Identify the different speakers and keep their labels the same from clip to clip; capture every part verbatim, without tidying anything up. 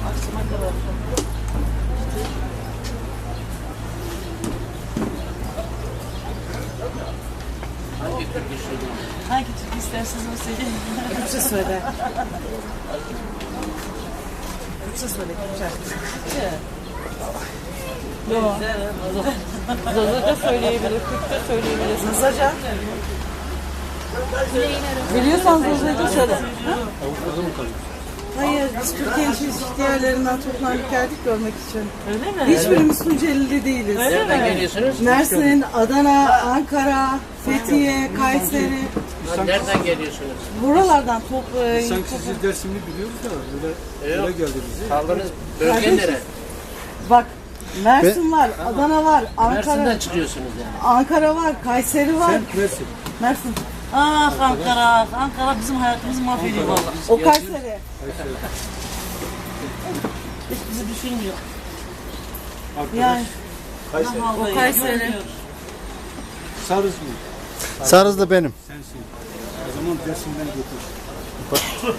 Speaker 1: Akşama kadar.
Speaker 2: Hangi türkü söylüyor?
Speaker 1: Hangi türkü isterseniz o söyleyin.
Speaker 3: Kürtçe söyle. Kürtçe söyle, Kürtçe.
Speaker 1: Yok. Zaza da söyleyebilir, Türk de söyleyebilir.
Speaker 3: Zazaca. Biliyorsan Zaza'yı da söyle. Hayır, biz Türkiye'nin çeşitli yerlerinden toplanıp geldik görmek için.
Speaker 1: Öyle mi?
Speaker 3: Hiçbirimiz Tunceli'li değiliz.
Speaker 1: Öyle
Speaker 2: Nereden
Speaker 1: mi?
Speaker 2: geliyorsunuz?
Speaker 3: Mersin, Adana, Ankara, Fethiye, Kayseri.
Speaker 2: Ha, nereden geliyorsunuz?
Speaker 3: Buralardan top, e,
Speaker 4: Sanki
Speaker 3: top-
Speaker 4: siz Dersim'i biliyoruz da öyle,
Speaker 2: Yok.
Speaker 4: öyle geldi bize.
Speaker 2: Kaldığınız bölge
Speaker 3: Kardeşim.
Speaker 2: nere?
Speaker 3: Bak, Mersin var, Adana var, Ankara,
Speaker 2: Mersin'den çıkıyorsunuz yani.
Speaker 3: Ankara var, Kayseri var.
Speaker 4: Sen Mersin.
Speaker 3: Mersin.
Speaker 1: Ah Ankara, Ankara bizim hayatımızı mahvediyor valla.
Speaker 3: O Kayseri.
Speaker 1: Hiç bizi düşünmüyor.
Speaker 3: Yani
Speaker 4: Kayseri.
Speaker 1: Vallahi
Speaker 3: O Kayseri.
Speaker 1: görmüyor.
Speaker 4: Sarız mı?
Speaker 5: Sarızlı benim.
Speaker 4: Sensin. O zaman Dersim'den götür.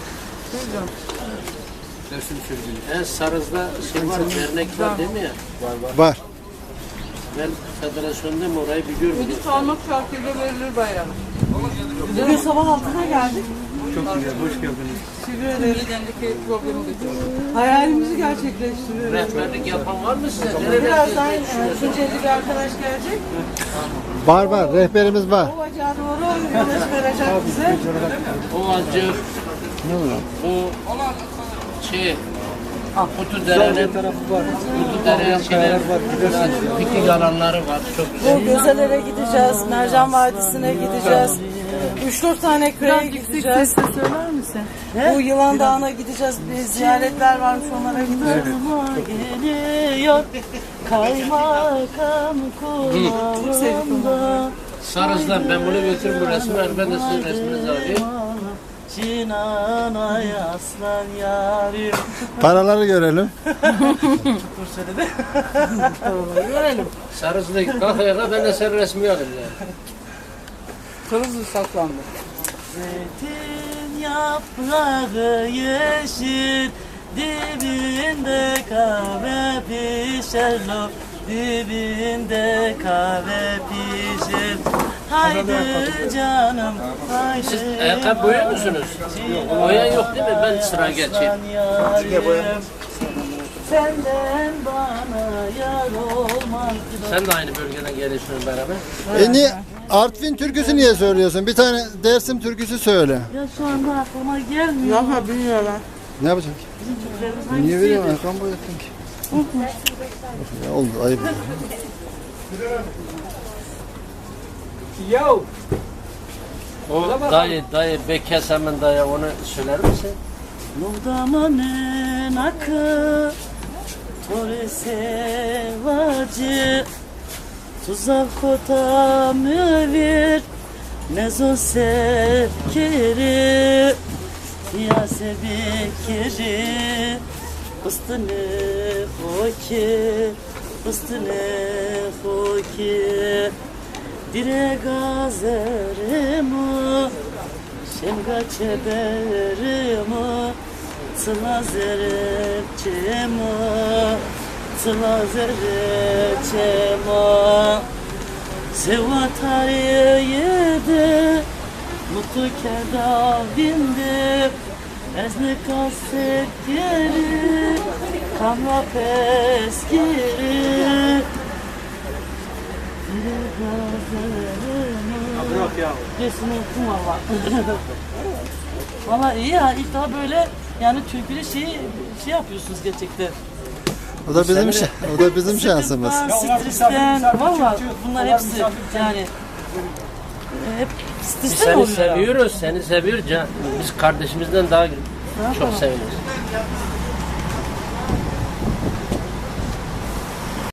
Speaker 4: Dersim sözünü.
Speaker 2: En Sarız'da şey var, dernek var değil mi ya?
Speaker 5: Var.
Speaker 2: Ben federasyondayım, orayı biliyorum.
Speaker 3: parmak şarkıyla verilir bayram. Bugün sabah altıda geldik.
Speaker 4: Çok güzel, hoş geldiniz.
Speaker 3: Teşekkür ederim. Hayalimizi gerçekleştiriyoruz.
Speaker 2: Rehberlik yapan var mı size? Nerede?
Speaker 3: Birazdan e, Tunceli bir arkadaş gelecek.
Speaker 5: Var var. Rehberimiz var.
Speaker 3: O bacağı doğru yola çıkaracak bize.
Speaker 2: O acı, bu şey, Kutu Dere'nin,
Speaker 4: Tarafı var.
Speaker 2: Kutu Dere'nin şeyler, piknik alanları var, çok güzel.
Speaker 3: Bu Gözelere gideceğiz, Mercan Vadisi'ne gideceğiz. üç dört tane köye gideceğiz.
Speaker 1: Söyler misin?
Speaker 3: Bu Yılan Dağı'na gideceğiz. Bir ziyaretler varmış, onlara gideceğiz.
Speaker 1: Geliyor kaymakam kulağımda.
Speaker 2: Sarız'dan ben bunu götürürüm bu resmi, ben de sizin resminizi alayım.
Speaker 1: Cinanay aslan yarim.
Speaker 5: Paraları görelim.
Speaker 1: Dur söyledi.
Speaker 2: Görelim. Sarız'da kalk ayağa, ben de senin resmini alayım yani.
Speaker 3: Kırmızı saklandı.
Speaker 1: Zeytin yaprağı yeşil, dibinde kahve pişer lo, dibinde kahve pişer. Haydi canım, haydi.
Speaker 2: Siz ayakkabı boyuyor musunuz? Boyan yok değil mi? Ben sıra geçeyim.
Speaker 1: Yarim, senden bana yar olmaz.
Speaker 2: Sen de aynı bölgeden geliyorsun beraber.
Speaker 5: E niye? Artvin türküsü niye söylüyorsun? Bir tane Dersim türküsü söyle.
Speaker 1: Ya şu anda aklıma gelmiyor.
Speaker 3: Yapma bilmiyorlar.
Speaker 5: Ne yapacaksın ki?
Speaker 1: Bizim Türklerimiz
Speaker 5: Niye
Speaker 1: hangisiydi?
Speaker 5: veriyorsun? Ayakkabı boyattın ki. Ya oldu ayıp.
Speaker 4: Yo!
Speaker 2: O dayı, dayı, Bekes hemen dayı onu söyler misin?
Speaker 1: Muhdamanın akı Tore sevacı Tuzak kota müvir Nezo sevkiri Yase bekiri Fıstını hoki Fıstını hoki Dire gazerimi Şemga çeberimi Sıla zerepçemi Sıla zerepçemi Seva tarihiyede Mutlu kedavinde Ezne kaset geri Kamra pes geri Dire gazerimi
Speaker 4: Bırak ya.
Speaker 1: Resmi okuma var. Valla iyi ya, ilk daha böyle yani türkülü şey, şey yapıyorsunuz gerçekten.
Speaker 5: O da bizim şey, o da bizim şansımız.
Speaker 1: Sıkıntıdan, stresten, valla bunlar hepsi yani hep
Speaker 2: Biz
Speaker 1: stresten
Speaker 2: seni
Speaker 1: oluyor ya.
Speaker 2: seviyoruz, seni seviyoruz. Can. Biz kardeşimizden daha çok seviyoruz.